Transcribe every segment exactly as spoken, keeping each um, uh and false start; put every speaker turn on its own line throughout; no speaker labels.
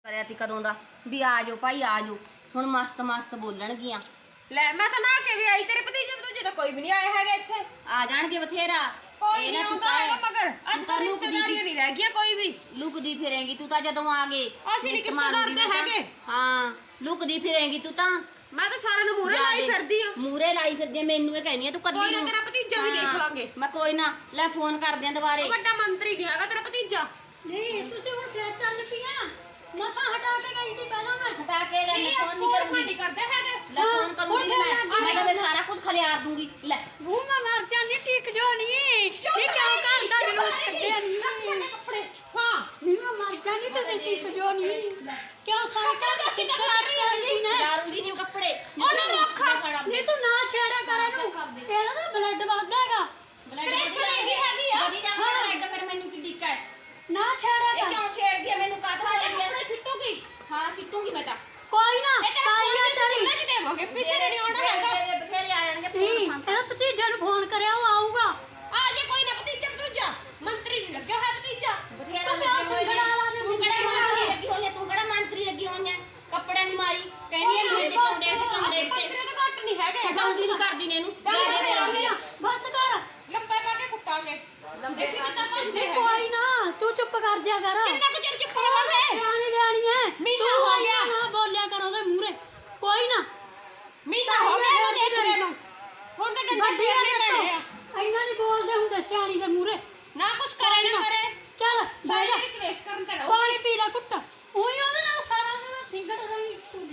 ਕਰਿਆ ਤੀ ਕਦੋਂ ਦਾ ਵੀ ਆ ਜਾਓ ਭਾਈ ਆ ਜਾਓ। ਹੁਣ ਮਸਤ ਮਸਤ ਬੋਲਣਗੀਆਂ।
ਲੈ ਮੈਂ ਤਾਂ ਨਾ ਕੇ ਵੀ ਆਈ ਤੇਰੇ ਭਤੀਜੇ ਭਤੂਜੇ ਤਾਂ ਕੋਈ ਵੀ ਨਹੀਂ ਆਇਆ ਹੈਗਾ ਇੱਥੇ।
ਆ ਜਾਣਗੇ ਬਥੇਰਾ।
ਕੋਈ ਨਹੀਂ ਆਉਂਦਾ ਹੈਗਾ ਮਗਰ ਅੱਜ ਕੱਲ੍ਹ ਰਿਸ਼ਤੇਦਾਰੀਆਂ ਨਹੀਂ ਰਹਿ ਗਈਆਂ ਕੋਈ ਵੀ।
ਲੁਕਦੀ ਫਿਰੇਂਗੀ ਤੂੰ ਤਾਂ ਜਦੋਂ ਆ ਗਏ।
ਅਸੀਂ ਨਹੀਂ ਕਿਸ ਤੋਂ ਡਰਦੇ ਹੈਗੇ।
ਹਾਂ ਲੁਕਦੀ ਫਿਰੇਂਗੀ ਤੂੰ ਤਾਂ।
ਮੈਂ ਤਾਂ ਸਾਰਿਆਂ ਨੂੰ ਮੂਹਰੇ ਲਾਈ ਫਿਰਦੀ ਆ।
ਮੂਹਰੇ ਲਾਈ ਫਿਰਦੀ ਆ ਮੈਨੂੰ ਇਹ ਕਹਿਨੀ ਆ ਤੂੰ ਕੱਲੀ।
ਕੋਈ ਨਾ ਤੇਰਾ ਭਤੀਜਾ ਵੀ ਦੇਖ ਲਾਂਗੇ।
ਮੈਂ ਕੋਈ ਨਾ ਲੈ ਫੋਨ ਕਰਦੇ ਆ ਦੁਬਾਰੇ।
ਵੱਡਾ ਮੰਤਰੀ ਨਹੀਂ ਹੈਗਾ ਤੇਰਾ ਭਤੀਜਾ।
ਨਹੀਂ ਤੁਸੀਂ ਹੁਣ ਫੇਰ ਚੱਲ ਪੀਆਂ। ਮਸਾਂ ਹਟਾ ਕੇ ਗਈ ਸੀ ਪਹਿਲਾਂ ਮੈਂ।
ਹਟਾ ਕੇ ਲੈ ਮੈਂ ਫੋਨ ਨਹੀਂ ਕਰੂੰਗੀ।
ਨਹੀਂ ਕਰਦੇ ਹੈਗੇ।
ਲੈ ਫੋਨ ਕਰੂੰਗੀ ਮੈਂ। ਮੈਂ ਤਾਂ ਫਿਰ ਸਾਰਾ ਕੁਝ ਖਲਿਆਰ ਦੂੰਗੀ। ਲੈ
ਉਹ ਮੈਂ ਮਰ ਜਾਂਦੀ ਟਿਕ ਜੋ ਨਹੀਂ। ਇਹ ਕਿਉਂ ਘਰ ਦਾ ਜਲੂਸ ਕੱਢਿਆ ਨਹੀਂ।
ਕੱਪੜੇ ਹਾਂ
ਨਹੀਂ ਮੈਂ ਮਰ ਜਾਂਦੀ ਤੁਸੀਂ ਟਿਕ ਜੋ ਨਹੀਂ। ਕਿਉਂ ਸਾਰੇ ਘਰ ਦਾ ਸਿੱਧਾ ਚੱਕਿਆ ਸੀ ਨਾ।
ਲਾਰੂੰਗੀ ਨਹੀਂ ਕੱਪੜੇ।
ਉਹਨੂੰ ਰੱਖਾ ਨਹੀਂ ਤੂੰ ਨਾ ਛੇੜਾ ਕਰ ਇਹਨੂੰ। ਇਹਦਾ ਤਾਂ ਬਲੱਡ ਵੱਧਦਾ ਹੈਗਾ।
ਬਲੱਡ ਵਧੀ ਹੈਗੀ ਆ। ਵਧੀ ਜਾਂਦਾ ਬਲੱਡ ਫਿਰ ਮੈਨੂੰ ਕੀ ਦਿੱਕਤ ਹੈ।
ਨਾ ਛੇੜਾ
ਇਹ
ਕਰ।
ਕਿਉਂ ਛੇੜਦੀ ਆ ਮੈਨੂੰ ਕਾਹਦਾ ਹੋਈ ਆ।
ਸਿੱਟੂਗੀ।
ਹਾਂ ਸਿੱਟੂਗੀ ਮੈਂ ਤਾਂ।
ਕੋਈ ਨਾ ਕਾਈ ਨਾ ਚੜੀ।
ਕਿੰਨੇ ਚ ਦੇਵਾਂਗੇ ਕਿਸੇ ਨੇ ਨਹੀਂ ਆਉਣਾ ਹੈਗਾ।
ਤੇਰੇ ਬਥੇਰੇ ਆ ਜਾਣਗੇ
ਨਹੀਂ
ਫੋਨ।
ਇਹਦਾ ਭਤੀਜੇ ਨੂੰ ਫੋਨ ਕਰਿਆ ਉਹ ਆਊਗਾ।
ਆ ਜੇ ਕੋਈ ਨਾ ਭਤੀਜਾ ਭਤੂਜਾ ਮੰਤਰੀ ਨਹੀਂ ਲੱਗਿਆ ਹੈ ਭਤੀਜਾ।
ਬਥੇਰਾ
ਤੂੰ ਕਿਉਂ ਸੰਗੜਾ ਲਾ ਦੇ।
ਤੂੰ ਕਿਹੜਾ ਮੰਤਰੀ ਲੱਗੀ ਹੋਈ ਆ। ਤੂੰ ਕਿਹੜਾ ਮੰਤਰੀ ਲੱਗੀ ਹੋਈ ਆ। ਕੱਪੜਿਆਂ ਦੀ ਮਾਰੀ ਕਹਿੰਦੀ ਆ ਮੇਰੇ ਕੰਡੇ ਤੇ ਕੰਡੇ ਤੇ
ਮੰਤਰੀ ਤਾਂ ਘੱਟ ਨਹੀਂ ਹੈਗੇ।
ਹਟਾਉਂਦੀ ਨਹੀਂ ਕਰਦੀ ਨੇ ਇਹਨੂੰ। ਲੈ ਦੇ ਦੇ
ਬਸ ਕਰ।
ਲੰਬੇ ਪਾ ਕੇ ਕੁੱਟਾਂਗੇ। ਦੇਖੀ ਕਿੱਦਾਂ ਭੱਜਦੇ ਹੈ।
ਕੋਈ ਨਾ ਤੂੰ ਚੁੱਪ ਕਰ ਜਾ ਕਰ।
ਕਿੰਨਾ ਕੁ ਚਿਰ ਚੁੱਪ ਰਹਾਂਗੇ।
ਸਿਆਣੀ ਬਿਆਣੀ ਐ।
ਮਹੀਨਾ
ਤੂੰ
ਹੋ
ਆਈ
ਗਿਆ।
ਨਾ ਬੋਲਿਆ ਕਰ ਉਹਦੇ ਮੂਹਰੇ। ਕੋਈ ਨਾ
ਮਹੀਨਾ ਹੋ ਗਿਆ ਇਹਨੂੰ ਦੇਖਦੇ ਨੂੰ। ਹੁਣ ਤਾਂ ਡੰਡੇ
ਵੱਡੀ
ਫੇਰਨੇ
ਆ
ਪੈਣੇ ਆ।
ਇੰਨਾ ਨਹੀਂ ਬੋਲਦੇ ਹੁੰਦੇ ਸਿਆਣੀ ਦੇ ਮੂਹਰੇ।
ਨਾ ਕੁਛ ਕਰੇ ਨਾ ਕਰੇ।
ਚੱਲ ਬਹਿ ਜਾ।
ਵਿੱਚ ਵੇਸ ਕਰਨ ਤੇ ਰਹੋ।
ਪਾਣੀ ਪੀ ਲੈ ਕੁੱਟ। ਉਹੀ ਉਹਦੇ ਨਾਲ ਸਾਰਾ ਦਿਨ ਸਿੰਗੜ ਰਹੀ ਤੂੰ।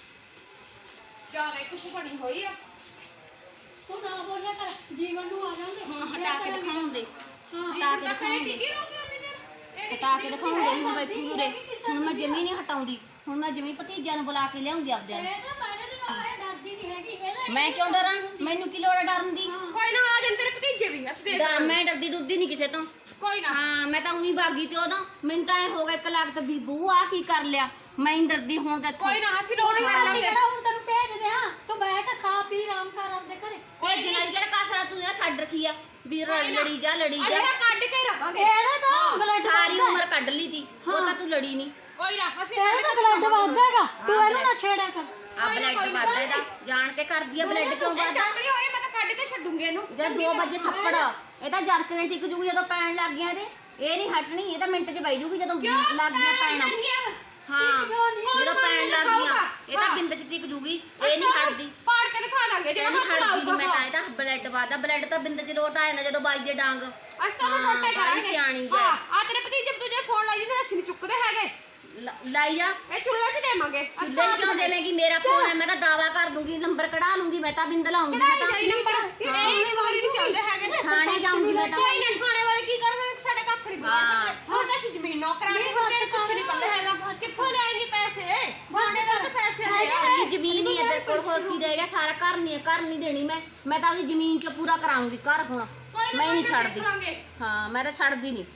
ਜਾਵੇ ਕੁਛ ਬਣੀ ਹੋਈ ਆ।
ਤੂੰ ਨਾ ਬੋਲਿਆ ਕਰ। ਜੀਵਨ ਨੂੰ ਆ ਜਾਂਦੇ।
ਹੁਣ ਹਟਾ ਕੇ ਦਿਖਾਉਣ ਦੇ।
ਹਾਂ
ਹਟਾ ਕੇ ਦਿਖਾਉਣ ਦੇ।
ਕੀ ਰੋਕੀ ਉਹਨੇ ਦੇਰ।
ਹਟਾ ਕੇ ਦਿਖਾਉਣ ਦੇ। ਹੁਣ ਬੈਠੂਗੀ ਉਰੇ। ਹੁਣ ਮੈਂ ਜਮੀ ਨਹੀਂ ਹਟਾਉਂਦੀ। ਹੁਣ ਮੈਂ ਜਮੀ ਭਤੀਜਿਆਂ ਨੂੰ ਬੁਲਾ ਕੇ ਲਿਆਉਂਗੀ ਆਪਦਿਆਂ ਨੂੰ।
ਇਹ ਤਾਂ ਪਹਿਲੇ ਦਿਨ ਆਇਆ ਡਰਦੀ ਨਹੀਂ ਹੈਗੀ। ਇਹਦਾ
ਮੈਂ ਕਿਉਂ ਡਰਾਂ। ਮੈਨੂੰ ਕੀ ਲੋੜ ਹੈ ਡਰਨ ਦੀ।
ਕੋਈ ਨਾ ਆ ਜਾਣ ਤੇਰੇ ਭਤੀਜੇ ਵੀ ਅਸੀਂ ਦੇਖ
ਡਰ ਮੈਂ ਡਰਦੀ ਡੁਰਦੀ ਨਹੀਂ ਕਿਸੇ ਤੋਂ।
ਕੋਈ ਨਾ।
ਹਾਂ ਮੈਂ ਤਾਂ ਉਹੀ ਬਾਗੀ ਤੇ ਉਦੋਂ ਮੈਨੂੰ ਤਾਂ ਇਹ ਹੋ ਗਿਆ ਇੱਕ ਲੱਖ ਤੇ ਵੀ ਬੂ ਆ ਕੀ ਕਰ ਲਿਆ। ਮੈਂ ਨਹੀਂ ਡਰਦੀ ਹੁਣ ਤਾਂ ਇੱਥੋਂ।
ਕੋਈ ਨਾ ਅਸੀਂ ਲੋੜ ਕਰ
ਅਸੀਂ
ਲਾਂਗੇ।
ਕਿਹੜਾ ਹੁਣ ਤੈਨੂੰ ਭੇਜਦੇ ਆ। ਤੂੰ ਬੈਠ ਖਾ ਪੀ ਆਰਾਮ ਕਰ ਆਪਦੇ ਘਰੇ।
ਕੋਈ ਜਨਾਈ ਜਿਹੜਾ ਕਾਸਰਾ ਤੂੰ ਇਹ ਛੱਡ ਰੱਖੀ ਆ ਵੀ ਲੜੀ ਜਾ ਲੜੀ ਜਾ।
ਅਸੀਂ ਕੱਢ ਕੇ ਰਵਾਂਗੇ।
ਇਹਦਾ ਤਾਂ ਬਲੱਡ
ਸਾਰੀ ਉਮਰ ਕੱਢ ਲਈ ਤੀ ਉਹ ਤਾਂ ਤੂੰ ਲੜੀ ਨਹੀਂ।
ਕੋਈ ਨਾ ਅਸੀਂ
ਇਹਦਾ ਤਾਂ ਬਲੱਡ ਵੱਧਦਾ ਹੈਗਾ। ਤੂੰ ਇਹਨੂੰ ਨਾ ਛੇੜਿਆ ਕਰ।
ਆ ਬਲੱਡ ਵੱਧਦਾ ਇਹਦਾ ਜਾਣ ਕੇ ਕਰਦੀ ਆ। ਬਲੱਡ ਕਿਉਂ ਵੱਧਦਾ।
ਚੱਕੜੀ ਹੋਈ ਮੈਂ ਤਾਂ ਕੱਢ ਕੇ ਛੱਡੂੰਗੀ ਇਹਨੂੰ।
ਜਦ ਦੋ ਵਜੇ ਥੱਪੜ ਇਹ ਤਾਂ ਜਰਕਣੇ ਟਿਕ ਜੂਗੀ ਜਦੋਂ ਪੈਣ ਲੱਗ ਗਿਆ ਇਹਦੇ। ਇਹ ਨਹੀਂ ਹਟਣੀ। ਇਹ ਤਾਂ ਮਿੰਟ 'ਚ ਬਈ ਜੂਗੀ ਜਦੋਂ ਲੱਗ ਗਿਆ ਪੈਣਾ। ਹਾਂ ਜਦੋਂ ਪੈਣ ਲੱਗ ਗਿਆ ਇਹ ਤਾਂ ਬਿੰਦ 'ਚ ਟਿਕ ਜੂਗੀ। ਇਹ ਨਹੀਂ ਹਟਦੀ।
ਪਾੜ ਕੇ ਦਿਖਾ ਲਾਂਗੇ ਜੇ
ਇਹ ਨਹੀਂ
ਹੱਥ
ਹਟਦੀ
ਲਾਊਗਾ।
ਨਹੀਂ। ਮੈਂ ਤਾਂ ਇਹਦਾ ਬਲੱਡ ਵੱਧਦਾ। ਬਲੱਡ ਤਾਂ ਬਿੰਦ 'ਚ ਲੋਟ ਆ ਜਾਂਦਾ ਜਦੋਂ ਬਾਈ ਜੇ ਡਾਂਗ।
ਅਸੀਂ ਤਾਂ ਉਹਨੂੰ
ਹਾਂ,
ਟੋਟੇ
ਬੜੀ
ਕਰਾਂਗੇ।
ਸਿਆਣੀ ਜੇ।
ਹਾਂ ਆ ਤੇਰੇ ਭਤੀਜੇ ਭਤੂਜੇ ਫੋਨ ਲਾਈ ਜਾਂਦੇ ਅਸੀਂ ਨਹੀਂ ਚੁੱਕਦੇ ਹੈਗੇ।
ਲ- ਲਾਈ ਜਾ।
ਇਹ ਚੁੱਲ੍ਹੇ 'ਚ ਦੇਵਾਂਗੇ। ਅਸੀਂ
ਚੁੱਲ੍ਹੇ ਕਿਉਂ ਦੇਵੇਂਗੀ। ਮੇਰਾ ਫੋਨ ਹੈ ਮੈਂ ਤਾਂ ਦਾਵਾ ਕਰ ਦੂੰਗੀ। ਨੰਬਰ ਕਢਾ ਲੂੰਗੀ। ਮੈਂ ਤਾਂ ਬਿੰਦ ਲਾਉਂਗੀ। ਮੈਂ
ਕਢਾਈ ਜਾਈ ਨੰਬਰ। ਇਹ ਨਹੀਂ ਵਾਰੀ ਨਹੀਂ ਚੱਲਦੇ ਹੈਗੇ।
ਥਾਣੇ ਜਾਊਂਗੀ ਮੈਂ ਤਾਂ।
ਕੋਈ ਨਾ ਖਾਣੇ ਵਾਲੇ ਕੀ ਕਰਨ ਸਾਡੇ ਕੱਖ ਨਹੀਂ ਬਣਾ ਸਕਦੇ। ਹੁਣ ਤਾਂ ਅਸੀਂ ਜ਼ਮੀਨ ਨੌਕਰਾਣੀ ਹੁੰਦੇ ਕੁਝ ਨਹੀਂ ਪੱਲੇ ਹੈਗਾ। ਕਿੱਥੋਂ ਲਿਆਏਂਗੇ ਪੈਸੇ। ਖਾਣੇ ਵਾਲੇ ਤਾਂ ਪੈਸੇ ਹੁੰਦੇ ਆ।
ਆਪਣੀ ਜ਼ਮੀਨ ਹੀ ਹੈ ਤੇਰੇ ਕੋਲ। ਹੋਰ ਕੀ ਰਹਿ ਗਿਆ। ਸਾਰਾ ਘਰ ਨਹੀਂ ਘਰ ਨਹੀਂ ਦੇਣੀ ਮੈਂ। ਮੈਂ ਤਾਂ ਉਹਦੀ ਜ਼ਮੀਨ 'ਚ ਪੂਰਾ ਕਰਾਉਂਗੀ ਘਰ ਹੁਣ। ਮੈਂ ਨਹੀਂ ਛੱਡਦੀ। ਹਾਂ ਮੈਂ ਤਾਂ ਛੱਡਦੀ ਨਹੀਂ।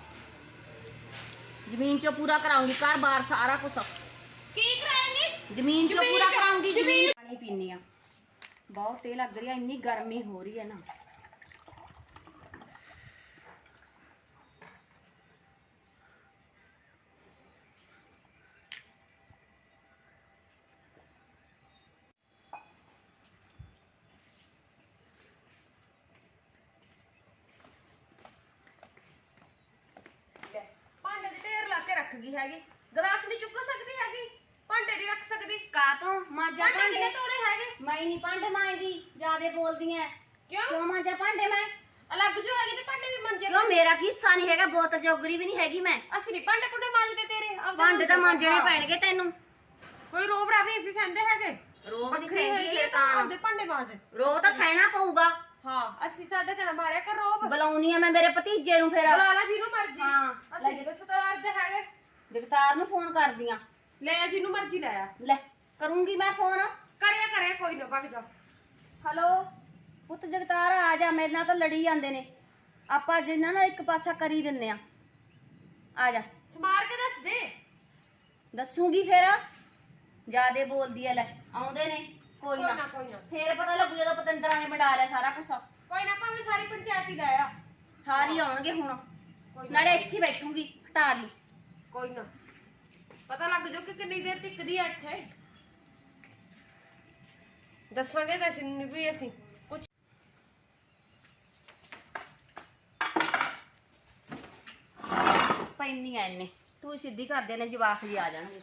ਜ਼ਮੀਨ 'ਚ ਪੂਰਾ ਕਰਾਉਂਗੀ ਘਰ ਬਾਰ ਸਾਰਾ ਕੁਝ।
ਕੀ ਕਰਾਂਗੇ।
ਜ਼ਮੀਨ 'ਚ
ਜ਼ਮੀਨ
ਪੂਰਾ
ਚ-
ਕਰਾਉਂਗੀ। ਜ਼ਮੀਨ
ਜ਼ਮੀਨ-
ਪਾਣੀ ਪੀਣੀ ਆ। ਬਹੁਤ ਤੇਜ਼ ਲੱਗ ਰਹੀ ਆ। ਇੰਨੀ ਗਰਮੀ ਹੋ ਰਹੀ ਹੈ ਨਾ।
ਭਾਂਡੇ ਦੇ ਢੇਰ ਲਾ ਕੇ ਰੱਖ ਗਈ ਹੈਗੀ। ਗਲਾਸ ਨਹੀਂ ਚੁੱਕ ਸਕਦੀ ਹੈਗੀ। ਭਾਂਡੇ ਨਹੀਂ ਰੱਖ ਸਕਦੀ।
ਕਾਤੋਂ ਮਾਂਜਾ
ਭਾਂਡੇ
ਭਾਂਡੇ
ਕਿਤੇ ਤੋਰੇ ਹੈਗੇ।
ਮੈਂ ਨਹੀਂ ਭਾਂਡੇ ਮਾਂਜਦੀ। ਜਿਆਦੇ ਬੋਲਦੀ ਐ।
ਕਿਉਂ
ਕਿਉਂ ਮਾਂਜਾ ਭਾਂਡੇ ਮੈਂ।
ਅਲੱਗ ਜੋ ਹੈਗੀ ਤੇ ਭਾਂਡੇ ਵੀ ਮੰਜੇ।
ਕਿਉਂ ਮੇਰਾ ਕੀ ਹਿੱਸਾ ਨਹੀਂ ਹੈਗਾ। ਬਹੁਤ ਜੋਗਰੀ ਵੀ ਨਹੀਂ ਹੈਗੀ ਮੈਂ।
ਅਸੀਂ ਨਹੀਂ ਭਾਂਡੇ ਭੁੰਡੇ ਮਾਂਜਦੇ ਤੇਰੇ। ਆਪਦੇ
ਭਾਂਡੇ ਤਾਂ
ਮਾਂਜਦੇ।
ਮਾਂਜਣੇ ਪੈਣਗੇ ਤੈਨੂੰ।
ਕੋਈ ਰੋਬ ਰਾਬ ਨਹੀਂ ਅਸੀਂ ਸਹਿੰਦੇ ਹੈਗੇ।
ਰੋਬ ਨਹੀਂ
ਵੱਖਰੀ
ਸਹਿੰਦੀ
ਹੈਗੀ
ਇਹ
ਆ,
ਤਾਂ।
ਆਪਦੇ ਭਾਂਡੇ ਮਾਂਜ।
ਰੋਬ ਤਾਂ ਸਹਿਣਾ ਪਊਗਾ।
ਹਾਂ ਅਸੀਂ ਸਾਡੇ ਤੇ ਨਾ ਮਾਰਿਆ ਕਰ ਰੋਬ।
ਬੁਲਾਉਣੀ ਆ ਮੈਂ ਮੇਰੇ ਭਤੀਜੇ ਨੂੰ ਫਿਰ।
ਬੁਲਾ ਲਾ ਜਿਹਨੂੰ ਮਰਜੀ।
ਹਾਂ,
ਅਸੀਂ ਜਿਹੜੇ ਸੁਤਰਾਰ ਦੇ ਹੈਗੇ।
ਜਗਤਾਰ ਨੂੰ ਫੋਨ ਕਰਦੀ ਆ।
ਲੈ ਆ ਜਿਹਨੂੰ ਮਰਜੀ ਲੈ ਆ।
ਲੈ ਕਰੂੰਗੀ ਮੈਂ ਫੋਨ।
ਕਰਿਆ ਕਰਿਆ ਕੋਈ ਨਾ ਭੱਜ ਜਾ।
ਹੈਲੋ ਪੁੱਤ ਜਗਤਾਰ ਆ ਜਾ। ਮੇਰੇ ਨਾਲ ਤਾਂ ਲੜੀ ਜਾਂਦੇ ਨੇ। ਆਪਾਂ ਜਿੰਨਾਂ ਨਾਲ ਇੱਕ ਪਾਸਾ ਕਰੀ ਦਿੰਨੇ ਆ। ਆ ਜਾ।
ਸਮਾਰ ਕੇ ਦੱਸ ਦੇ।
ਦੱਸੂਗੀ ਫਿਰ। ਜਿਆਦੇ ਬੋਲਦੀ ਐ। ਲੈ ਆਉਂਦੇ ਨੇ। ਕੋਈ
ਕੋਈ
ਨਾ
ਨਾ ਕੋਈ ਨਾ
ਫੇਰ ਪਤਾ ਲੱਗੂ ਜਦੋਂ ਪਤੰਦਰਾਂ ਨੇ ਵਡਾ ਲਿਆ ਸਾਰਾ ਕੁਝ।
ਕੋਈ ਨਾ ਭਾਵੇਂ ਸਾਰੀ ਪੰਚਾਇਤ ਹੀ ਲਾਇਆ।
ਸਾਰੀ ਆਉਣਗੇ ਹੁਣ।
ਕੋਈ ਨਾ
ਨਾਲੇ ਇੱਥੇ ਹੀ ਬੈਠੂਗੀ। ਹਟਾ ਲਈ।
ਕੋਈ ਨਾ ਪਤਾ ਲੱਗ ਜੋ ਕਿ ਕਿੰਨੀ ਦੇਰ ਟਿਕਦੀ ਆ ਇੱਥੇ। ਦੱਸਾਂਗੇ ਤਾਂ ਅਸੀਂ ਵੀ ਅਸੀਂ ਕੁਝ
ਪੈਣੀ ਐ ਇਹਨੇ ਤੂੰ ਸਿੱਧੀ ਕਰਦੇ ਨੇ ਜਵਾਕ ਜੀ ਆ ਜਾਣਗੇ।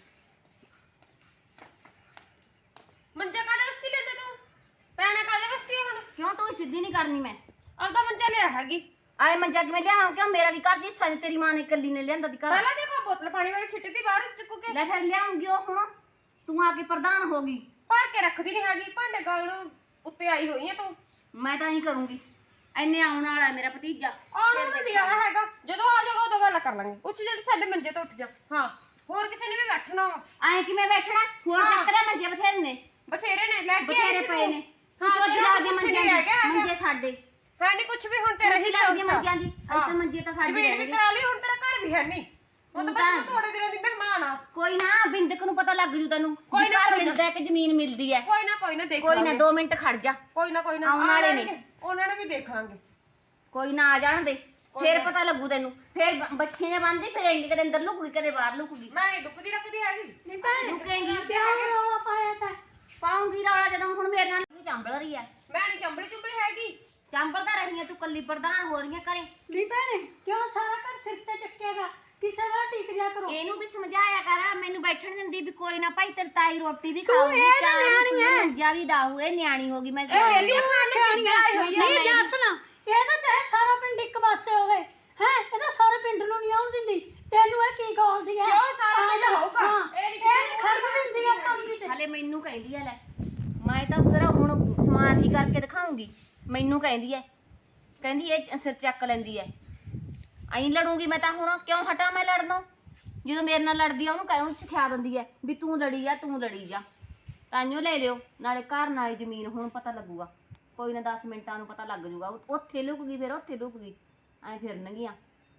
ਮੰਜਾ ਕਾਦੇ ਵਸਤੀ ਲੈਂਦੇ ਤੂੰ? ਪੈਣਾ ਕਾਦੇ ਵਸਤੀ ਹੁਣ?
ਕਿਉਂ ਤੂੰ ਸਿੱਧੀ ਨਹੀਂ ਕਰਨੀ? ਮੈਂ
ਆਪਦਾ ਮੰਜਾ ਲਿਆ ਹੈਗੀ।
ਆਏ ਮੰਜਾ ਕਿਵੇਂ ਲਿਆਵਾਂ? ਕਿਉਂ ਮੇਰਾ ਵੀ ਘਰ ਦੀ ਸੰਨ ਤੇਰੀ ਮਾਂ ਨੇ ਇਕੱਲੀ ਨੇ ਲਿਆਂਦਾ ਦੀ ਘਰ।
ਪਹਿਲਾਂ ਦੇਖੋ ਬੋਤਲ ਪਾਣੀ ਵਾਲੀ ਸਿੱਟੀ ਦੀ ਬਾਹਰ ਚੁੱਕ ਕੇ
ਲੈ ਫਿਰ ਲਿਆਉਂਗੀ ਉਹ ਹੁਣ ਤੂੰ ਆ ਕੇ ਪ੍ਰਧਾਨ ਹੋ ਗਈ।
ਭਰ ਕੇ ਰੱਖਦੀ ਨਹੀਂ ਹੈਗੀ ਭਾਂਡੇ ਗਾਲ ਨੂੰ ਉੱਤੇ ਆਈ ਹੋਈ ਹੈ ਤੂੰ।
ਮੈਂ ਤਾਂ ਹੀ ਕਰੂੰਗੀ। ਐਨੇ ਆਉਣ ਵਾਲਾ ਮੇਰਾ ਭਤੀਜਾ।
ਆਉਣ ਨੂੰ ਨਹੀਂ ਆਣਾ ਹੈਗਾ, ਜਦੋਂ ਆ ਜਾਊਗਾ ਉਦੋਂ ਗੱਲ ਕਰ ਲਾਂਗੇ। ਉੱਚ ਜਿਹੜੀ ਸਾਡੇ ਮੰਜੇ ਤੋਂ ਉੱਠ ਜਾ। ਹਾਂ ਹੋਰ ਕਿਸੇ ਨੇ ਵੀ ਬੈਠਣਾ ਵਾ।
ਐ ਕਿਵੇਂ ਬੈਠਣਾ? ਹੋਰ ਚੱਕਰੇ ਮੰਜੇ ਬਥੇਰੇ ਨੇ।
ਬਥੇਰੇ ਨੇ ਲੈ ਕੇ
ਬਥੇਰੇ
ਆਈ ਸੀ
ਪਏ
ਤੂੰ।
ਨੇ। ਤੂੰ ਚੋਦੀ ਲਾ ਦੇ ਮੰਜੇ ਮੰਜੇ ਸਾਡੇ।
ਹੈ ਨਹੀਂ ਕੁਝ ਵੀ ਹੁਣ ਤੇਰਾ ਹੀ
ਲੱਗਦੀ ਮੰਜਿਆਂ ਦੀ। ਅੱਜ ਤਾਂ ਮੰਜੇ ਤਾਂ ਸਾਡੇ
ਜ਼ਮੀਨ ਵੀ ਕਰਾ ਲਈ, ਹੁਣ ਤੇਰਾ ਘਰ ਵੀ ਹੈ ਨਹੀਂ। ਹੁਣ ਤਾਂ ਬਸ ਤੂੰ ਥੋੜੇ ਦਿਨਾਂ ਦੀ ਮਹਿਮਾਨ ਆ।
ਕੋਈ ਨਾ ਬਿੰਦਕ ਨੂੰ ਪਤਾ ਲੱਗ ਜੂ ਤੈਨੂੰ।
ਕੋਈ ਨਾ,
ਘਰ
ਕੋਈ ਨਾ।
ਮਿਲਦਾ ਕਿ ਜ਼ਮੀਨ ਮਿਲਦੀ ਹੈ।
ਕੋਈ ਨਾ ਕੋਈ ਨਾ ਦੇਖ
ਕੋਈ ਨਾ
ਲਾਂਗੇ।
ਦੋ ਮਿੰਟ ਖੜ ਜਾ।
ਕੋਈ ਨਾ ਕੋਈ ਨਾ
ਆਉਣ ਵਾਲੇ ਨੇ।
ਉਹਨਾਂ ਨੂੰ ਵੀ ਦੇਖ ਲਾਂਗੇ।
ਕੋਈ ਨਾ ਆ ਜਾਣ ਦੇ ਫੇਰ ਪਤਾ ਲੱਗੂ ਤੈਨੂੰ। ਫੇਰ ਬ- ਬੱਚੀਆਂ ਬੰਦੀ ਫਿਰ ਇੰਨੀ ਕਦੇ ਅੰਦਰ ਲੁਕੂਗੀ ਕਦੇ ਬਾਹਰ ਲੁਕੂਗੀ।
ਮੈਂ ਨਹੀਂ ਡੁੱਕਦੀ ਰੱਖਦੀ ਹੈਗੀ।
ਨਹੀਂ ਭੈਣੇ
ਲੁਕੇਂਗੀ
ਕਿਉਂ ਰੌਲਾ ਪਾਇਆ ਤਾਂ?
ਪਾਉਂਗੀ ਰੌਲਾ ਜਦੋਂ ਹੁਣ ਮੇਰੇ ਨਾਲ ਚੰਬਲ ਰਹੀ ਆ।
ਮੈਂ ਨਹੀਂ ਚੰਬੜੀ ਚੁੰਬੜੀ ਹੈਗੀ।
ਚੰਬਲ ਤਾਂ ਰਹੀ ਆ ਤੂੰ ਕੱਲੀ ਪ੍ਰਧਾਨ ਹੋ ਰਹੀ ਆ ਘਰੇ।
ਨਹੀਂ ਭੈਣੇ ਕਿਉਂ ਸਾਰਾ ਘਰ ਸਿਰ ਤੇ ਚੱਕੇਗਾ? ਕਿਸੇ ਵਾਰ ਟਿਕ ਜਾ ਕਰੋ।
ਇਹਨੂੰ ਵੀ ਸਮਝਾਇਆ ਕਰ। ਮੈਨੂੰ ਬੈਠਣ ਦਿੰਦੀ ਵੀ ਕੋਈ ਨਾ ਭਾਈ ਤੇਰੀ ਤਾਈ ਰੋਟੀ ਵੀ ਖਾਊਗੀ।
ਇਹ ਤਾਂ
ਚਾਹ
ਨਿਆਣੀ
ਵੀ
ਐ।
ਮੰਜਾ ਵੀ ਡਾਹੂ। ਇਹ ਨਿਆਣੀ ਹੋ ਗਈ। ਮੈਂ
ਇਹ ਵੇਲੀ ਖਾਣ ਦੀ
ਸਿਆਣੀਆਂ
ਆਈ ਹੋਈ ਆ।
ਨਹੀਂ ਜਾ ਸੁਣਾ, ਇਹ ਤਾਂ ਚਾਹੇ ਸਾਰਾ ਪਿੰਡ ਇੱਕ ਪਾਸੇ ਹੋਵੇ ਹੈ, ਇਹ ਤਾਂ ਸਾਰੇ ਪਿੰਡ ਨੂੰ ਨਹੀਂ ਆਉਣ ਦਿੰਦੀ। ਤੈਨੂੰ ਇਹ ਕੀ ਗਾਲਦੀ ਹੈ?
ਕਿਉਂ ਸਾਰਾ ਪਿੰਡ
ਹਾਂ,
ਹੋਊਗਾ?
ਇਹ
ਇਹ ਨੀ
ਨਹੀਂ ਖੜਕ ਦਿੰਦੀ ਆ ਪੰਗੀ ਤੇ।
ਹਲੇ ਮੈਨੂੰ ਕਹਿੰਦੀ ਆ ਲੈ ਮੈਂ ਤਾਂ ਫਿਰ ਹੁਣ ਸਮਾਜ ਹੀ ਕਰਕੇ ਦਿਖਾਉਂਗੀ। ਮੈਨੂੰ ਕਹਿੰਦੀ ਐ ਕਹਿੰਦੀ ਇਹ ਸਿਰ ਚੱਕ ਲੈਂਦੀ ਐ। ਐਂ ਲੜੂੰਗੀ ਮੈਂ ਤਾਂ ਹੁਣ। ਕਿਉਂ ਹਟਾਂ ਮੈਂ ਲੜਨੋਂ? ਜਦੋਂ ਮੇਰੇ ਨਾਲ ਲੜਦੀ ਆ ਉਹਨੂੰ ਕਹਿਉਂ ਸਿਖਾ ਦਿੰਦੀ ਐ ਵੀ ਤੂੰ ਲੜੀ ਆ ਤੂੰ ਲੜੀ ਜਾ। ਤਾਂਿਓ ਲੈ ਲਿਓ ਨਾਲੇ ਘਰ ਨਾਲੇ ਜ਼ਮੀਨ। ਹੁਣ ਪਤਾ ਲੱਗੂਗਾ ਕੋਈ ਨਾ ਦਸ ਮਿੰਟਾਂ ਨੂੰ ਪਤਾ ਲੱਗ ਜੂਗਾ। ਉੱਥੇ ਲੁਕ ਗਈ ਫਿਰ ਉੱਥੇ ਲੁਕ ਗਈ ਐਂ ਫਿਰਨਗੀਆਂ।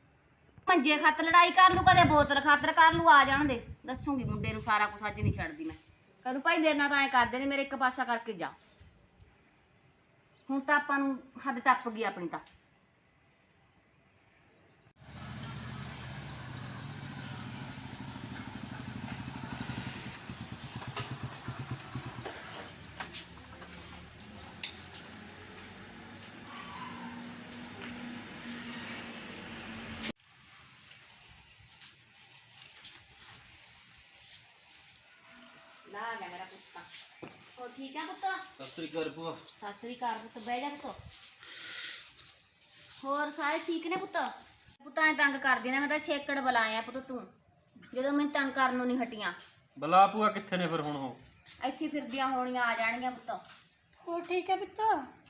ਮੰਜੇ ਖੱਤ ਲੜਾਈ ਕਰ ਲੂ ਕਦੇ ਬੋਤਲ ਖਾਤਰ ਕਰ ਲੂ। ਆ ਜਾਣ ਦੇ ਦੱਸੂਗੀ ਮੁੰਡੇ ਨੂੰ ਸਾਰਾ ਕੁਛ। ਅੱਜ ਨਹੀਂ ਛੱਡਦੀ ਮੈਂ। ਕਦੋਂ ਭਾਈ ਮੇਰੇ ਨਾਲ ਤਾਂ ਐਂ ਕਰਦੇ ਨੇ ਮੇਰੇ ਇੱਕ ਪਾਸਾ ਕਰਕੇ ਜਾ। ਹੁਣ ਤਾਂ ਆਪਾਂ ਨੂੰ ਹੱਦ ਟੱਪ ਗਈ ਆਪਣੀ ਤਾਂ। ਲਾ ਗਿਆ ਮੇਰਾ ਕੁੱਤਾ। ਹੋਰ ਠੀਕ ਆ ਪੁੱਤ?
ਸਤਿ ਸ੍ਰੀ ਅਕਾਲ ਭੂਆ।
ਸਤਿ ਸ੍ਰੀ ਅਕਾਲ ਪੁੱਤ। ਬਹਿ ਜਾ ਪੁੱਤ। ਹੋਰ ਸਾਰੇ ਠੀਕ ਨੇ ਪੁੱਤ? ਪੁੱਤ ਐ ਤੰਗ ਕਰਦੀ ਨਾ। ਮੈਂ ਤਾਂ ਛੇਕੜ ਬੁਲਾਇਆ ਪੁੱਤ ਤੂੰ ਜਦੋਂ ਮੈਨੂੰ ਤੰਗ ਕਰਨ ਨੂੰ ਨਹੀਂ ਹਟੀਆਂ।
ਬਲਾ ਭੂਆ ਕਿੱਥੇ ਨੇ ਫਿਰ ਹੁਣ ਉਹ?
ਇੱਥੇ ਫਿਰਦੀਆਂ ਹੋਣੀਆਂ ਆ ਜਾਣਗੀਆਂ ਪੁੱਤ।
ਹੋਰ ਠੀਕ ਹੈ ਪੁੱਤ?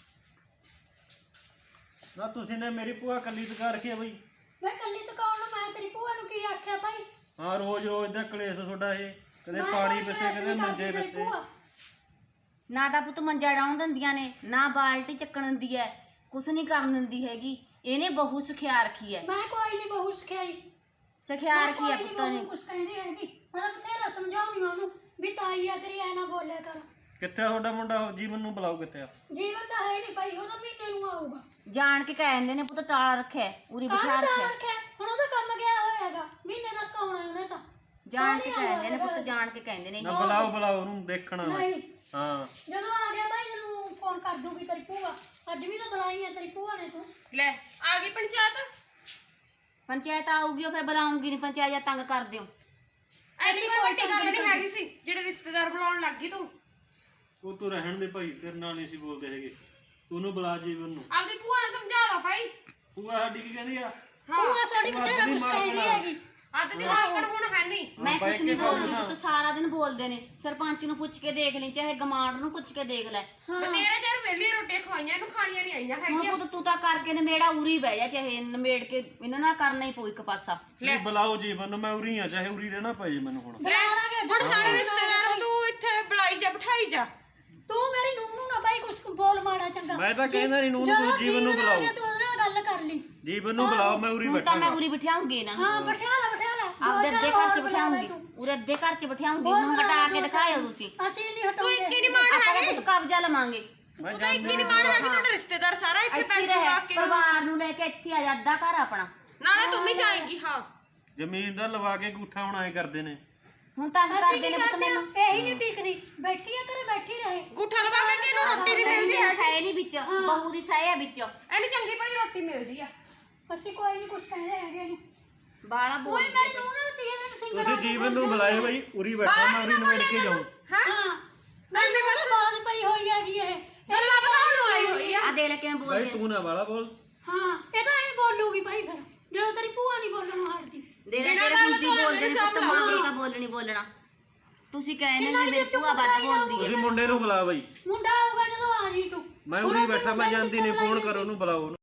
ਨਾ ਤੁਸੀਂ ਨੇ ਮੇਰੀ ਭੂਆ ਕੱਲੀ ਤਕਾ ਰੱਖੀ ਆ ਬਈ।
ਮੈਂ ਕੱਲੀ ਦੁਕਾਨ ਨੂੰ, ਮੈਂ ਤੇਰੀ ਭੂਆ ਨੂੰ ਕੀ ਆਖਿਆ ਭਾਈ?
ਹਾਂ ਰੋਜ਼ ਰੋਜ਼ ਦਾ ਕਲੇਸ਼ ਤੁਹਾਡਾ ਇਹ। ਕਦੇ
ਮੈਂ
ਪਾਣੀ
ਕੋਈ
ਪਿੱਛੇ
ਕਲੇਸ਼
ਕਦੇ
ਨਹੀਂ
ਮੰਜੇ
ਕਰਦੀ ਤੇਰੀ
ਪਿੱਛੇ।
ਭੂਆ।
ਨਾ ਤਾਂ ਪੁੱਤ ਮੰਜਾ ਡਾਉਣ ਦਿੰਦੀਆਂ ਨੇ ਨਾ ਬਾਲਟੀ ਚੱਕਣ ਦਿੰਦੀ ਐ। ਕੁਛ ਨਹੀਂ ਕਰਨ ਦਿੰਦੀ ਹੈਗੀ। ਇਹਨੇ ਬਹੂ ਸਿਖਿਆ ਰੱਖੀ ਐ।
ਮੈਂ ਕੋਈ ਨਹੀਂ ਬਹੂ ਸਿਖਾਈ।
ਸਿਖਿਆ ਰੱਖੀ ਐ ਪੁੱਤ ਨੇ।
ਕੁਛ ਕਹਿੰਦੀ ਹੈਗੀ। ਮੈਂ ਤਾਂ ਬਥੇਰਾ ਸਮਝਾਉਣੀ ਉਹਨੂੰ ਵੀ ਤਾਈ ਆ ਤੇਰੀ ਐ ਨਾ ਬੋਲਿਆ ਕਰ।
ਕਿੱਥੇ ਆ ਤੁਹਾਡਾ ਮੁੰਡਾ? ਉਹ ਜੀਵਨ ਨੂੰ ਬੁਲਾਓ ਕਿੱਥੇ ਆ?
ਜੀਵਨ ਤਾਂ ਹੈ ਨਹੀਂ ਭਾਈ, ਉਹ ਤਾਂ ਮਹੀਨੇ ਨੂੰ ਆਊਗਾ।
ਜਾਣ ਕੇ ਕਹਿ ਦਿੰਦੇ ਨੇ ਪੁੱਤ ਟਾਲਾ ਰੱਖਿਆ ਉਰੀ ਬਿਠਾ
ਕਾਹਨੂੰ
ਰੱਖਿਆ।
ਰੱਖਿਆ? ਹੁਣ ਉਹਦਾ ਕੰਮ ਗਿਆ ਹੋਇਆ ਹੈਗਾ। ਮਹੀਨੇ ਤੱਕ ਆਉਣਾ ਉਹਨੇ ਤਾਂ।
ਜਾਣ ਕੇ ਕਹਿੰਦੇ ਨੇ ਪੁੱਤ ਜਾਣ ਕੇ ਕਹਿੰਦੇ ਨੇ।
ਨਾ ਬੁਲਾਓ ਬੁਲਾਓ ਉਹਨੂੰ ਦੇਖਣਾ ਮੈਂ।
ਨਹੀਂ
ਹਾਂ
ਜਦੋਂ ਆ ਗਿਆ ਭਾਈ ਤੈਨੂੰ ਫੋਨ ਕਰ ਦੂਗੀ ਤੇਰੀ ਭੂਆ। ਅੱਜ ਵੀ ਤਾਂ ਬੁਲਾਈ ਹੈ ਤੇਰੀ ਭੂਆ ਨੇ ਤੂੰ।
ਲੈ ਆ ਗਈ ਪੰਚਾਇਤ।
ਪੰਚਾਇਤ ਆਊਗੀ ਉਹ ਫਿਰ ਬੁਲਾਉਂਗੀ ਨਹੀਂ। ਪੰਚਾਇਤ ਜਾਂ ਤੰਗ ਕਰ ਦਿਓ।
ਐਸੀ ਕੋਈ ਵੱਡੀ ਗੱਲ ਨਹੀਂ ਹੈਗੀ ਸੀ ਜਿਹੜੇ ਰਿਸ਼ਤੇਦਾਰ ਬੁਲਾਉਣ ਲੱਗ ਗਈ ਤੂੰ।
ਉਹ ਤੂੰ ਰਹਿਣ ਦੇ ਭਾਈ, ਤੇਰੇ ਨਾਲ ਨਹੀਂ ਸੀ ਬੋਲਦੇ ਹੈਗੇ। ਤੂੰ ਉਹਨੂੰ ਬੁਲਾ ਜੀਵਨ ਨੂੰ।
ਆਪਦੀ ਭੂਆ ਨੂੰ ਸਮਝਾ ਲਾ ਭਾਈ।
ਭੂਆ ਸਾਡੀ ਕੀ ਕਹਿੰਦੀ ਆ?
ਭੂਆ ਸਾਡੀ ਬਥੇਰਾ ਕੁਛ ਕਹਿੰਦੀ ਹੈਗੀ।
ਅੱਧ ਦੀ ਵਾਕਣ ਹੁਣ ਹੈ ਨਹੀਂ।
ਮੈਂ ਕੁਛ ਨਹੀਂ ਬੋਲਦੀ ਪੁੱਤ। ਸਾਰਾ ਦਿਨ ਬੋਲਦੇ ਨੇ। ਸਰਪੰਚ ਨੂੰ ਪੁੱਛ ਕੇ ਦੇਖ ਲਈ ਚਾਹੇ ਗਮਾਂਡ ਨੂੰ ਪੁੱਛ ਕੇ ਦੇਖ ਲੈ।
ਬਤੇਰੇ ਚਿਰ ਵੇਲੀ ਰੋਟੀ ਖਵਾਈਆਂ ਇਹਨੂੰ ਖਾਣੀਆਂ ਨਹੀਂ ਆਈਆਂ
ਹੁਣ
ਹੈਗੀਆਂ।
ਪੁੱਤ ਤੂੰ ਤਾਂ ਕਰਕੇ ਨਮੇੜਾ ਉਰੀ ਬਹਿ ਜਾ। ਚਾਹੇ ਨਮੇੜ ਕੇ ਇਹਨਾਂ ਨਾਲ ਕਰਨਾ ਹੀ ਪਊ ਇੱਕ ਪਾਸਾ।
ਨਹੀਂ ਬੁਲਾਓ ਜੀਵਨ ਨੂੰ। ਮੈਂ ਉਰੀ ਆ ਚਾਹੇ ਉਰੀ ਰਹਿਣਾ ਪਏ ਮੈਨੂੰ ਹੁਣ।
ਬੁਲਾਵਾਂਗੇ।
ਹੁਣ ਸਾਰੇ ਰਿਸ਼ਤੇਦਾਰਾਂ ਨੂੰ ਤੂੰ ਇੱਥੇ ਬੁਲਾਈ ਜਾ ਬਿਠਾਈ ਜਾ।
ਤੂੰ ਮੇਰੀ ਨੂੰਹ ਨੂੰ ਨਾ ਭਾਈ ਕੁਛ ਬੋਲ ਮਾੜਾ ਚੰਗਾ।
ਮੈਂ ਤਾਂ ਕਹਿੰਦਾ ਨਹੀਂ ਨੂੰ
ਜਦੋਂ
ਜੀਵਨ ਨੂੰ
ਆ
ਬੁਲਾਓ।
ਗਿਆ ਤੂੰ ਉਹਦੇ ਨਾਲ ਗੱਲ ਕਰ ਲਈ।
ਜੀਵਨ ਨੂੰ ਬੁਲਾਓ ਮੈਂ ਉਰੀ
ਹੁਣ ਤਾਂ ਮੈਂ
ਬੈਠਾ।
ਉਰੀ ਬਿਠਾਉਂਗੀ ਨਾ।
ਹਾਂ ਬਿਠਾ ਲੈ ਬਿਠਾ ਲੈ।
ਆਪਦੇ ਅੱਧੇ ਘਰ ਚ ਬਿਠਾਉਂਗੀ। ਉਰੇ ਅੱਧੇ ਘਰ ਚ ਬਿਠਾਉਂਗੀ। ਹੁਣ ਹਟਾ ਕੇ ਦਿਖਾਇਓ ਤੁਸੀਂ।
ਅਸੀਂ ਨਹੀਂ ਹਟਾਉਂਦੇ।
ਇੱਕ ਹੀ ਨਹੀਂ ਮਾਣ
ਆਪਾਂ
ਹੈਗੀ।
ਤਾਂ ਪੁੱਤ ਕਬਜ਼ਾ ਲਵਾਂਗੇ।
ਮੈਂ
ਤੂੰ ਤਾਂ ਇੱਕ ਹੀ ਨਹੀਂ ਮਾਣ ਹੈਗੀ। ਤੁਹਾਡਾ ਰਿਸ਼ਤੇਦਾਰ ਸਾਰਾ ਇੱਥੇ
ਇੱਥੇ
ਬੈਠ
ਰਹੇ
ਜਾ ਕੇ।
ਪਰਿਵਾਰ ਨੂੰ ਲੈ ਕੇ ਇੱਥੇ ਆ ਜਾ। ਅੱਧਾ ਘਰ ਆਪਣਾ।
ਨਾਲੇ ਤੂੰ ਵੀ ਜਾਏਂਗੀ। ਹਾਂ
ਜ਼ਮੀਨ ਦਾ ਲਵਾ ਕੇ ਗੂਠਾ ਹੁਣ ਐ ਕਰਦੇ ਨੇ।
ਹੁਣ ਤੰਗ
ਅਸੀਂ
ਕਰਦੇ
ਕੀ
ਨੇ ਪੁੱਤ
ਕਰਦੇ ਆ?
ਮੈਨੂੰ
ਇਹੀ ਨਹੀਂ ਟਿਕਦੀ ਬੈਠੀ ਆ ਘਰੇ ਬੈਠੀ ਰਹੇ
ਗੁੱਠਾ ਲਵਾਵਾਂਗੇ ਕਿ ਇਹਨੂੰ ਰੋਟੀ ਨਹੀਂ ਮਿਲਦੀ
ਇਹਦੀ ਸਾਏ ਨਹੀਂ ਵਿੱਚ ਬਹੂ ਦੀ ਸਾਏ ਆ ਵਿੱਚ
ਇਹਨੂੰ ਚੰਗੀ ਭਲੀ ਰੋਟੀ ਮਿਲਦੀ ਆ
ਅਸੀਂ ਕੋਈ ਨਹੀਂ ਕੁਛ ਕਹਿੰਦੇ ਹੈਗੇ ਇਹਨੂੰ
ਬਾਲਾ ਬੋਲ
ਕੋਈ ਮੇਰੀ ਨੂੰਹ ਨਾਲ ਤੀਏ ਦਿਨ ਸਿੰਗਲ
ਤੁਸੀਂ ਜੀਵਨ ਨੂੰ ਬੁਲਾਏ ਬਾਈ ਉਰੀ ਬੈਠਾ ਮੈਂ ਉਰੀ ਨਿਬੜ ਕੇ ਜਾਊਂ
ਹਾਂ ਮੈਂ ਵੀ ਬਸ ਬਾਤ ਪਈ ਹੋਈ ਹੈਗੀ ਇਹ
ਗੱਲਾਂ ਬਣਾਉਣ ਨੂੰ ਆਈ ਹੋਈ ਆ
ਆ ਦੇ ਲੈ ਕਿਵੇਂ
ਬਾਈ
ਬੋਲਦੇ
ਤੂੰ ਨਾ ਵਾਲਾ ਬੋਲ
ਹਾਂ ਇਹ ਤਾਂ ਐਂ ਬੋਲੂਗੀ ਭਾਈ ਫਿਰ ਜਦੋਂ ਤੇਰੀ ਭੂਆ ਨਹੀਂ ਬੋਲਣੋਂ ਹਟਦੀ
ਦੇ ਲੈ ਤੇਰੇ ਹੁੰਦੀ ਬੋਲਦੇ ਨੇ ਪੁੱਤ ਮਾਂ ਦਾ ਬੋਲਣੀ ਬੋਲਣਾ ਤੁਸੀਂ ਕਹਿੰਦੇ ਨੇ ਮੇਰੀ ਭੂਆ ਵੱਧ ਬੋਲਦੀ ਹੈ
ਤੁਸੀਂ ਮੁੰਡੇ ਨੂੰ ਬੁਲਾ ਬਾਈ
ਮੁੰਡਾ ਆਊਗਾ ਜਦੋਂ ਆ ਜੀ ਤੂੰ
ਮੈਂ ਉਰੀ ਬੈਠਾ ਮੈਂ ਜਾਂਦੀ ਨਹੀਂ ਫੋਨ ਕਰੋ ਉਹਨੂੰ ਬੁਲਾਓ ਉਹਨੂੰ